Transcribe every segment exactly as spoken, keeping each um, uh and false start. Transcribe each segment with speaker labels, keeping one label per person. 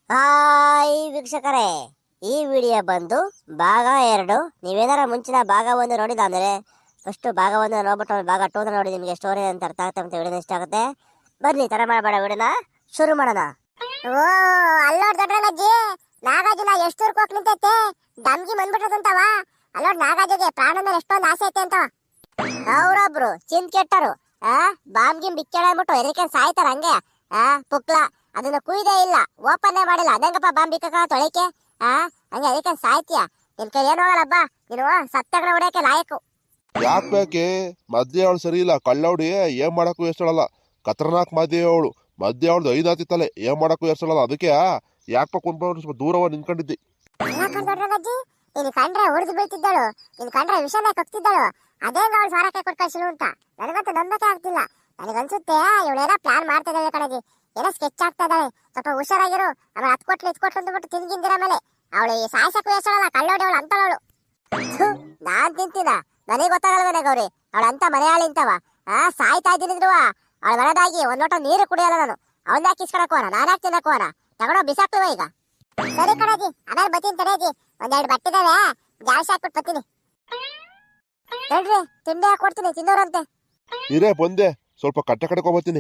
Speaker 1: Hi ವೀಕ್ಷಕರೇ, ಈ video ಬಂದು ಭಾಗ ಎರಡು. ನೀವೇನಾರ ಮುಂಚಿನ ಭಾಗ ಒಂದು ನೋಡಿದ ಅಂದ್ರೆ ಫಸ್ಟ್ ಭಾಗ ಒಂದು ನೋಡ್ಬಿಟ್ಟು ಭಾಗ ಟೂ ನೋಡಿ ನಿಮಗೆ ಸ್ಟೋರಿ ಅಂತ ಅರ್ಥ ಆಗ್ತಾ ಅಂತ ವಿಡಿಯೋ ಇಷ್ಟ ಆಗುತ್ತೆ. ಬನ್ನಿ, ತಡ ಮಾಡಬೇಡ, ವಿಡಿಯೋನ ಶುರು ಮಾಡೋಣ.
Speaker 2: ಓ ಅಲ್ಲೋಡ್ ದೊಡ್ಡಣ್ಣಜ್ಜಿ, ನಾಗಾರ್ಜುನ ಎಷ್ಟು ದೂರಕ್ಕೆ ಹೋಗಿ ನಿಂತೈತೆ, ದಮ್ಗಿ ಬಂದ್ಬಿಟ್ಟದಂತವ. ಅಲ್ಲೋಡ್ ನಾಗಾರ್ಜುಗೆ ಪ್ರಾಣ ಮೇಲೆ ಎಷ್ಟೊಂದು ಆಸೆ ಐತೆ ಅಂತ.
Speaker 1: ಅವ್ರೊಬ್ರು ಚಿಂತ್ ಕೆಟ್ಟರು ಆ ಬಾಂಬ್ಗಿಮ್ ಬಿಚ್ಚಳ ಅಂದ್ಬಿಟ್ಟು ಎದಕ್ಕೆ ಸಾಯ್ತಾರ ಹಂಗೆ. ಆ ಪುಕ್ಲ ಅದನ್ನ ಕುಯ್ದೇ ಇಲ್ಲ, ಓಪನ್ನೇ ಮಾಡಿಲ್ಲ, ಅದಂಗಪ್ಪ ಬಾಂಬ್ ಬಿಕ್ಕ ತೊಳಿಕೆ. ಆ ಹಂಗೆ ಅದಕ್ಕೆ ಸಾಯ್ತೀಯ, ನಿನ್ ಕೈ ಏನು ಹೋಗಲ್ಲಬ್ಬ, ನೀನು ಸತ್ತಗಡ ಹೊಡೆಯಕ್ಕೆ ಲಾಯಕು.
Speaker 3: ಯಾಕೆ ಬೇಕೆ? ಮದ್ಯ ಅವಳು ಸರಿ ಇಲ್ಲ, ಕಳ್ಳವಡಿ ಏನ್ ಮಾಡಕ್ಕೂ ಎಷ್ಟಳಲ್ಲ. ಖತರ್ನಾಕ್ ಮದ್ಯ ಅವಳು, ಮದ್ಯ ಅವಳ್ದು ಐದು ಆತಿತ್ತಲೆ, ಏನ್ ಮಾಡಕ್ಕೂ ಎಷ್ಟಳಲ್ಲ. ಅದಕ್ಕೆ ಯಾಕಪ್ಪ ಕುಂತ್ಕೊಂಡು ಸ್ವಲ್ಪ ದೂರವ ನಿಂತ್ಕೊಂಡಿದ್ದಿ.
Speaker 2: ದೊಡ್ಡಣ್ಣಜ್ಜಿ, ನೀನ್ ಕಂಡ್ರೆ ಉಳಿದು ಬೀಳ್ತಿದ್ದಳು, ನಿನ್ ಕಂಡ್ರೆ ವಿಷಯನೇ ಕಕ್ತಿದ್ದಳು. ಅದೇ ಅವಳು ಸಾರಕ್ಕೆ ಕೊಟ್ಕಳ್ಸಿಳು ಅಂತ ನನಗಂತೂ ನಂಬಕ್ಕೆ ಆಗ್ತಿಲ್ಲ. ನನಗನ್ಸುತ್ತೆ ಇವಳೇನೋ ಪ್ಲಾನ್ ಮಾಡ್ತಾ ಇದ್ದಾಳೆ ಕಣಜಿ, ಏನೋ ಸ್ಕೆಚ್ ಆಗ್ತಾ ಇದ್ದಾಳೆ. ಸ್ವಲ್ಪ ಹುಷಾರಾಗಿರು, ಆಮೇಲೆ ಹತ್ ಕೊಟ್ಲು ಇತ್ ಕೊಟ್ಲು ಅಂದ್ಬಿಟ್ಟು ತಿನ್ಗಿಂದಿರ ಮೇಲೆ ಅವಳು ಈ ಸಾಯ್ಸಕ್ಕೂ ಎಷ್ಟಳಲ್ಲ, ಕಳ್ಳೋಡಿ ಅವಳು ಅಂತವಳು.
Speaker 1: ನಾನ್ ತಿಂತೀನ, ನನಗೆ ಗೊತ್ತಾಗಲ್ವೇನೆ ಗೌರಿ, ಅವಳ ಅಂತ ಮನೆಯಾಳಿ ಇಂತವ. ಆ ಸಾಯ್ತಾ ಇದ್ದೀನಿದ್ರು ಅವಳ ಮನೆದಾಗಿ ಒಂದ್ ಲೋಟ ನೀರು ಕುಡಿಯಲ್ಲ ನಾನು. ಅವನ್ ಯಾಕೆ ಇಸ್ಕೊಳಕೋನ, ನಾನ್ ಯಾಕೆ ತಿನ್ನಕೋನ, ತಗೊಂಡೋ ಬಿಸಾಕ್ತಿವ ಈಗ.
Speaker 2: ಸರಿ ಕಣಜಿ, ಆಮೇಲೆ ಬತ್ತೀನಿ ತಡೆಯಜಿ, ಒಂದೆರಡು ಬಟ್ಟಿದಾವೆ ಜಾಸ್ತಿ ಹಾಕ್ಬಿಟ್ಟು ಬತ್ತೀನಿ.
Speaker 1: ಹೇಳ್ರಿ, ತಿಂಡಿ ಹಾಕಿ ಕೊಡ್ತೀನಿ, ತಿನ್ನೋರಂತೆ.
Speaker 3: ಇರೇ ಬಂದೆ, ಸ್ವಲ್ಪ ಕಟ್ಟೆ ಕಡ್ಕೊಂಬತ್ತೀನಿ.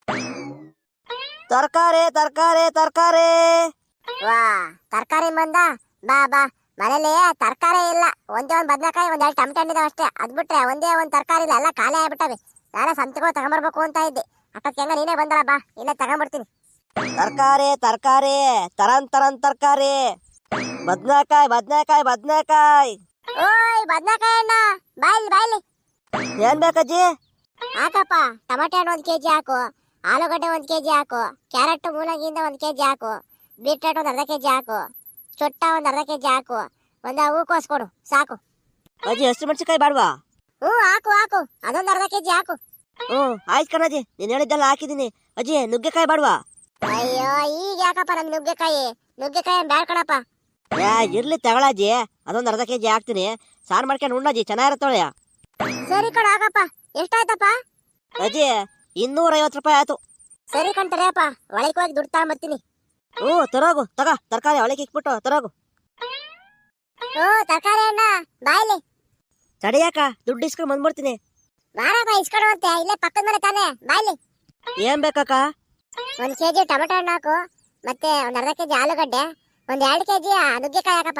Speaker 1: ತರಕಾರಿ ತರಕಾರಿ ತರಕಾರಿ ವಾ ತರಕಾರಿ ಬಂದ. ಬಾ ಬಾ, ಮನೇಲಿ ತರಕಾರಿ ಇಲ್ಲ, ಒಂದೇ ಒಂದ್ ಬದನೆಕಾಯಿ ಒಂದ್ ಎರಡು ಟಮಟೆ ಹಣ್ಣಿದಾವ ಅಷ್ಟೇ. ಅದ್ ಬಿಟ್ರೆ ಒಂದೇ ಒಂದ್ ತರಕಾರಿ ಇಲ್ಲ, ಎಲ್ಲ ಖಾಲಿ ಆಗ್ಬಿಟ್ಟವೆ. ನಾನೇ ಸಂತಿಗೂ ತಗೊಂಬರ್ಬೇಕು ಅಂತ ಇದ್ದೆ, ಅಕ್ಕಕ್ಕೆ ಹೆಂಗ ನೀನೇ ಬಂದಲ್ಲ, ಬಾ ಇಲ್ಲೇ ತಗೊಂಡ್ಬರ್ತೀನಿ. ತರಕಾರಿ ತರಕಾರಿ ತರನ್ ತರನ್ ತರಕಾರಿ, ಬದ್ನೆಕಾಯಿ ಬದ್ನೆಕಾಯಿ ಬದ್ನೆಕಾಯಿ.
Speaker 2: ಓಯ್ ಬದ್ನೆಕಾಯಿ ಅಣ್ಣ, ಬಾಯ್ಲಿ ಬಾಯ್ಲಿ.
Speaker 1: ಏನ್ ಬೇಕಜ್ಜಿ?
Speaker 2: ಹಾಕಪ್ಪ, ಟಮಾಟೆ ಹಣ್ಣು ಒಂದ್ ಕೆಜಿ ಹಾಕು, ಆಲೂಗಡ್ಡೆ ಒಂದ್ ಕೆಜಿ ಹಾಕು, ಕ್ಯಾರೆಟ್ ಮೂಲಂಗಿಯಿಂದ ಒಂದ್ ಕೆಜಿ ಹಾಕು, ಬೀಟ್ರೋಟ್ ಒಂದ್ ಅರ್ಧ ಕೆಜಿ ಹಾಕು, ಚೊಟ್ಟ ಒಂದ್ ಅರ್ಧ ಕೆಜಿ ಹಾಕು, ಒಂದ ಹೂಕೋಸ್ ಕೊಡು ಸಾಕು.
Speaker 1: ಅಜ್ಜಿ ಹಸಿರು ಮೆಣಸಿನಕಾಯಿ ಬೇಡವಾ?
Speaker 2: ಹ್ಞೂ ಹಾಕು ಹಾಕು, ಅದೊಂದ್ ಅರ್ಧ ಕೆಜಿ ಹಾಕು.
Speaker 1: ಹ್ಮ್ ಆಯ್ತು ಕಣಜ್ಜಿ, ನೀನ್ ಹೇಳಿದ್ದೆಲ್ಲ ಹಾಕಿದೀನಿ. ಅಜ್ಜಿ ನುಗ್ಗೆಕಾಯಿ ಬೇಡವಾ?
Speaker 2: ಅಯ್ಯೋ ಈಗ ಯಾಕಪ್ಪ ನಮ್ ನುಗ್ಗೆಕಾಯಿ, ನುಗ್ಗೆಕಾಯಿ ಬ್ಯಾಡ್ ಕಣಪ್ಪ.
Speaker 1: ಯಾ ಇರ್ಲಿ ತಗೊಳಜ್ಜಿ, ಅದೊಂದ್ ಅರ್ಧ ಕೆಜಿ ಹಾಕ್ತೀನಿ, ಸಾರು ಮಾಡ್ಕೊಂಡು ಉಣ್ಣಜ್ಜಿ, ಚೆನ್ನಾಗಿರತ್ತೊಳೆಯ.
Speaker 2: ಸರಿ ಕಣ ಹಾಕಪ್ಪ. ಎಷ್ಟಾಯ್ತಪ್ಪ?
Speaker 1: ಅಜ್ಜಿ ಇನ್ನೂರ ಐವತ್ತು ರೂಪಾಯಿ ಆಯ್ತು.
Speaker 2: ಸರಿ ಕಣ್ತಡೆಯಪ್ಪ, ಒಳಗೆ ಹೋಗಿ ದುಡ್ಡು ತಗೊಂಬರ್ತೀನಿ.
Speaker 1: ಹ್ಞೂ ತರೋಗು, ತಗ ತರಕಾರಿ ಒಳಗೆ ಇಕ್ಬಿಟ್ಟು ತರೋಗು.
Speaker 2: ಹ್ಞೂ ತರಕಾರಿ ಅಣ್ಣ ಬಾಯ್ಲಿ.
Speaker 1: ತಡಿಯಾಕ, ದುಡ್ಡು ಇಸ್ಕೊಂಡು ಬಂದ್ಬಿಡ್ತೀನಿ.
Speaker 2: ಮಾರಪ್ಪ ಇಸ್ಕೊಡುವಂತೆ, ಇಲ್ಲೇ ಪಕ್ಕದ ಮನೆ ತಾನೆ, ಬಾಯ್ಲಿ.
Speaker 1: ಏನ್ ಬೇಕಕ್ಕ?
Speaker 2: ಒಂದ್ ಕೆಜಿ ಟೊಮೆಟೊ ಹಣ್ಣು ಹಾಕು, ಮತ್ತೆ ಒಂದ್ ಅರ್ಧ ಕೆಜಿ ಆಲೂಗಡ್ಡೆ, ಒಂದ್ ಎರಡು ಕೆಜಿ ನುಗ್ಗೆಕಾಯಿ ಹಾಕಪ್ಪ.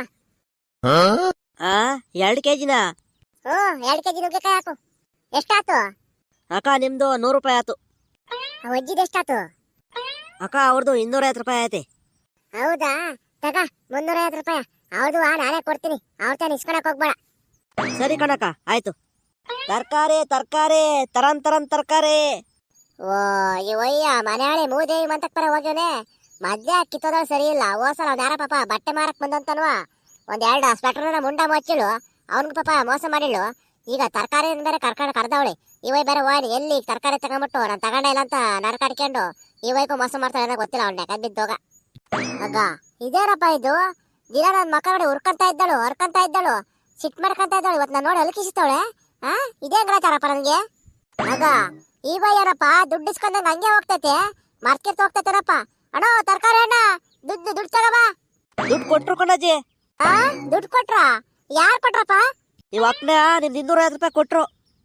Speaker 1: ಆ ಎರಡು ಕೆಜಿನಾ?
Speaker 2: ಹ್ಞೂ ಎರಡು ಕೆಜಿ ನುಗ್ಗೆಕಾಯಿ ಹಾಕು. ಎಷ್ಟಾತು
Speaker 1: ಅಕ್ಕ? ನಿಮ್ದು ನೂರು ರೂಪಾಯಿ ಆಯ್ತು.
Speaker 2: ಒಜ್ಜಿದ ಎಷ್ಟಾತು
Speaker 1: ಅಕ್ಕ? ಅವ್ರದ್ದು ಇನ್ನೂರ ಐವತ್ತು ರೂಪಾಯಿ ಐತೆ.
Speaker 2: ಹೌದಾ, ತಗ ಮುನ್ನೂರ ಐವತ್ತು ರೂಪಾಯಿ ಅವ್ರದ್ದು ನಾನೇ ಕೊಡ್ತೀನಿ, ಅವ್ರ ತಾನು ಇಸ್ಕೊಳಕ್ ಹೋಗ್ಬೇಡ.
Speaker 1: ಸರಿ ಕಣಕ್ಕ, ಆಯ್ತು. ತರಕಾರಿ ತರಕಾರಿ ತರನ್ ತರನ್ ತರಕಾರಿ. ಓ ಇವಯ್ಯ ಮನೆಯಾಳಿ ಮೂದೇವಿ ಮಂತಕ್ ಪರ ಹೋಗ್ಯವನೆ, ಮದ್ಯ ಕಿತ್ತೋದ್ರ ಸರಿ ಇಲ್ಲ. ಹೋಸಲ ಅವ್ನ ಯಾರ ಪಾಪ ಬಟ್ಟೆ ಮಾರಕ್ ಬಂದಂತನ್ವಾ, ಒಂದ್ ಎರಡು ಸ್ವೆಟರ್ನ ಮುಂಡ ಮುಚ್ಚಿಳು, ಅವ್ನಿಗೆ ಪಾಪ ಮೋಸ ಮಾಡಿಳು. ಈಗ ತರಕಾರಿ ಬೇರೆ ಕರ್ಕೊಂಡು ಕರ್ದವಳಿ, ಇವೈ ಬೇರೆ ಹೋಗಿ ಎಲ್ಲಿ ತರಕಾರಿ ತಗೊಂಡ್ಬಿಟ್ಟು ನಾನು ತಗೊಂಡೆ ಇಲ್ಲ ಅಂತ ನಡ್ಕಾಡ್ಕೊಂಡು ಇವೈಗೂ ಮೋಸ ಮಾಡ್ತಾಳೆ ಗೊತ್ತಿಲ್ಲ. ಅವ್ನ ಯಾಕೆ ಬಿದ್ದೋಗ ಆಗ ಇದೇನಪ್ಪ ಇದು, ದಿನ ನನ್ನ ಮಕ್ಕ ನೋಡಿ ಹುರ್ಕಂತ ಇದ್ದಳು ಹೊರ್ಕಂತ ಇದ್ದಳು, ಸಿಟ್ ಮಾಡ್ಕಂತ ಇದ್ದಳು, ಇವತ್ತು ನಾನು ನೋಡಿ ಅಲಕಿಸಿತವಳೆ. ಆ ಇದೇ ಗ್ರಾಚಾರಪ್ಪ ನನಗೆ. ಆಗ ಈ ಬೈ ಏನಪ್ಪ ದುಡ್ಡು ಇಸ್ಕೊಂಡಂಗೆ ಹಂಗೆ ಹೋಗ್ತೈತೆ, ಮಾರ್ಕೆಟ್ ಹೋಗ್ತೈತೇನಪ್ಪ. ಅಣ್ಣ ತರಕಾರಿ ಅಣ್ಣ, ದುಡ್ಡು ದುಡ್ಡು ತಗೋಬಾ. ದುಡ್ಡು ಕೊಟ್ರು ಕಣಜ್ಜಿ.
Speaker 2: ಆ ದುಡ್ಡು ಕೊಟ್ರ? ಯಾರು ಕೊಟ್ರಪ್ಪ?
Speaker 1: ಇವ್ ಅಕ್ನ ನಿಮ್ದು ಇನ್ನೂರ ಐವತ್ತು ರೂಪಾಯಿ ಕೊಟ್ರು.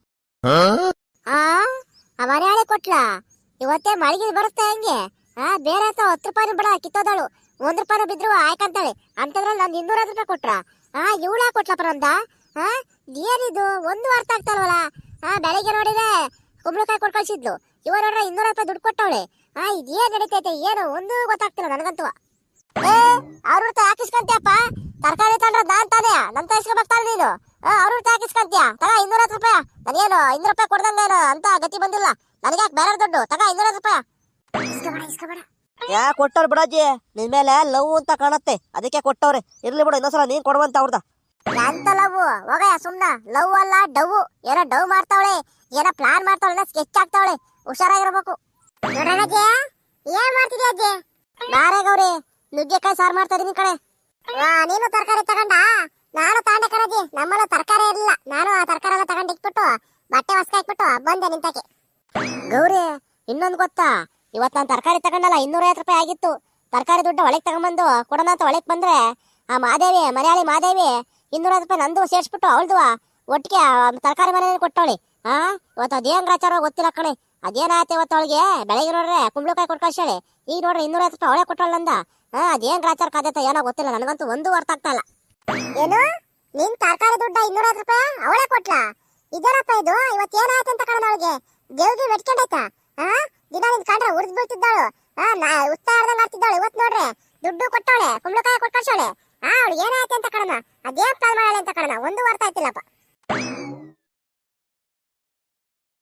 Speaker 2: ಆ ಮನೆಯಾಳೆ ಕೊಟ್ಲ? ಇವತ್ತೇ ಮಳಿಗೆ ಬರುತ್ತೆ ಹಂಗೆ. ಆ ಬೇರೆ ಅಂತ ಹತ್ತು ರೂಪಾಯಿ ಬಿಡ ಕಿತ್ತೋದಳು, ಒಂದ್ ರೂಪಾಯಿ ಬಿದ್ರು ಆಯ್ಕಂತಾಳೆ ಅಂತಂದ್ರಲ್ಲಿ ನಂದು ಇನ್ನೂರ ಐವತ್ತು ರೂಪಾಯಿ ಕೊಟ್ರ. ಆ ಇವಳ ಕೊಟ್ಲಪ್ಪ ನಮ್ದ? ಆ ಏನಿದು ಒಂದು ಅರ್ಥ ಆಗ್ತಲ್ವಲ್ಲ. ಆ ಬೆಳಿಗ್ಗೆ ನೋಡಿದ್ರೆ ಕುಂಬಳಕಾಯಿ ಕೊಟ್ಟು ಕಳ್ಸಿದ್ಲು, ಇವ ನೋಡ್ರೆ ಇನ್ನೂರ ರೂಪಾಯಿ ದುಡ್ಡು ಕೊಟ್ಟವಳೆ. ಆ ಇದೇನ್ ನಡೀತೈತೆ ಏನು ಒಂದು ಗೊತ್ತಾಗ್ತಿಲ್ಲ ನನಗಂತೂ. ಏ ಅವ್ರ ಹಾಕಿಸ್ಕೊಂತೀಯಪ್ಪ, ತರಕಾರಿ ತಂದ್ರ ನಾನ್ ತಾನೇ ನನ್ ಇಸ್ಕೊಬೇಕಾದ್ರೆ ನೀನು ಅವ್ರ ಹಾಕಿಸ್ಕೊಂತೀಯ. ತಗ ಇನ್ನೂರ ಹತ್ತು ರೂಪಾಯಿ, ನನಗೇನು ಇನ್ನೂರು ರೂಪಾಯಿ ಕೊಡ್ದಂಗೇನು ಅಂತ ಗತಿ ಬಂದಿಲ್ಲ ನನಗೆ. ಯಾಕೆ ಬೇರೆ ದುಡ್ಡು ತಗ ಇನ್ನೂರ ಹತ್ತು ರೂಪಾಯಿ. ಇಸ್ಕೊಬೇಡ ಇಸ್ಕೊಬೇಡ.
Speaker 1: ಯಾ ಕೊಟ್ಟವ್ರು ಬಿಡಜ್ಜಿ, ನಿನ್ ಮೇಲೆ ಲವ್ ಅಂತ ಕಾಣತ್ತೆ ಅದಕ್ಕೆ ಕೊಟ್ಟವ್ರೆ. ಇರ್ಲಿ ಬಿಡು, ಇನ್ನೊಂದ್ಸಲ ನೀನ್ ಕೊಡುವಂತ ಅವ್ರದ.
Speaker 2: ಎಂತ ಲವ್ ಹೋಗಯ್ಯ ಸುಮ್ನ. ಲವ್ ಅಲ್ಲ ಡವ್, ಏನೋ ಡವ್ ಮಾಡ್ತಾವಳೆ, ಏನೋ ಪ್ಲಾನ್ ಮಾಡ್ತಾವಳೆ, ಸ್ಕೆಚ್ ಆಗ್ತಾವಳೆ, ಹುಷಾರಾಗಿರ್ಬೇಕು. ಏನ್ ಮಾಡ್ತಿದ್ಯಾ ಅಜ್ಜಿ?
Speaker 1: ನಾರೇ ಗೌರಿ, ನುಗ್ಗೆಕಾಯಿ ಸಾರು ಮಾಡ್ತಾ ಇದೀನಿ ಕಡೆ.
Speaker 2: ನೀನು ತರಕಾರಿ ತಗೊಂಡ? ನಾನು ತಗೊಂಡೆ ಕಣಜಿ, ನಮ್ಮಲ್ಲ ತರಕಾರಿ ಇರಲಿಲ್ಲ, ನಾನು ಆ ತರಕಾರಿ ಎಲ್ಲ ತಗೊಂಡು ಇಟ್ಬಿಟ್ಟು ಬಟ್ಟೆ ಹೊಸ್ಕ ಹಾಕ್ಬಿಟ್ಟು ಬಂದೆ ನಿಂತಕ್ಕೆ.
Speaker 1: ಗೌರಿ ಇನ್ನೊಂದು ಗೊತ್ತಾ, ಇವತ್ತು ನಾನು ತರಕಾರಿ ತಗೊಂಡಲ್ಲ ಇನ್ನೂರ ಐವತ್ತು ರೂಪಾಯಿ ಆಗಿತ್ತು.
Speaker 2: ತರಕಾರಿ ದುಡ್ಡು ಒಳಗೆ ತಗೊಂಬಂದು ಕೊಡೋಣ ಅಂತ ಒಳಗೆ ಬಂದ್ರೆ ಆ ಮಾದೇವಿ ಮನೆಯಾಳಿ ಮಾದೇವಿ ಇನ್ನೂರ ರೂಪಾಯಿ ನಂದು ಸೇರ್ಸ್ಬಿಟ್ಟು ಅವಳ್ದು ಒಟ್ಟಿಗೆ ತರಕಾರಿ ಮನೆ ಕೊಟ್ಟವಳಿ. ಹಾ ಇವತ್ತು ಅದೇನ್ ಗ್ರಾಚಾರ ಗೊತ್ತಿಲ್ಲ ಕಣೆ. ಅದೇನಾಯ್ತು ಇವತ್ತು ಅವಳಿಗೆ ಬೆಳಗ್ಗೆ ನೋಡ್ರೆ ಕುಂಬಳಕಾಯಿ ಕೊಟ್ಟು ಕಳ್ಸಾಳೆ. ಈಗ ನೋಡ್ರಿ ಇನ್ನೂರ ರೂಪಾಯಿ ಅವಳೆ ಕೊಟ್ಟವಳು ನಂದ. ಹಾ ಅದೇನ್ ಗ್ರಾಚಾರ ಕಾದೈತ ಏನೋ ಗೊತ್ತಿಲ್ಲ, ನನಗಂತೂ ಒಂದು ಅರ್ಥ ಆಗ್ತಾ ಇಲ್ಲ.
Speaker 1: ಏನು ನಿನ್ ತರಕಾರಿ ದುಡ್ಡ ಇನ್ನೂರ ರೂಪಾಯಿ ಅವಳೇ ಕೊಟ್ಲಾ? ಇದೇನಪ್ಪ ಇದು, ಇವತ್ತು ಏನಾಯ್ತು ಅಂತ ಕಾರಣ ಅವಳಿಗೆ ದೇವ್ಗೆ ಮೆಟ್ಕೊಂಡಾಯ್ತಾ? ಹಾ ದಿನ ನಿನ್ ಕಂಡ್ರೆ ಉರ್ದ್ ಬೀಳ್ತಿದ್ದಾಳು. ಹಾ ನಾ ಉತ್ಸಾಹ ಆಡ್ದಂಗ್ ಆಡ್ತಿದ್ದಾಳು. ಇವತ್ತು ನೋಡ್ರೆ ದುಡ್ಡು ಕೊಟ್ಟವಳೆ, ಕುಂಬಳಕಾಯಿ ಕೊಟ್ಟು ಕಳ್ಸವಳೆ. ಹಾ ಅವಳಿಗೆ ಏನಾಯ್ತು ಅಂತ ಕಾರಣ, ಅದೇನ್ ಪ್ಲಾನ್ ಮಾಡಾಳೆ ಅಂತ ಕಾರಣ ಒಂದು ಅರ್ಥ ಆಯ್ತಿಲ್ಲಪ್ಪ.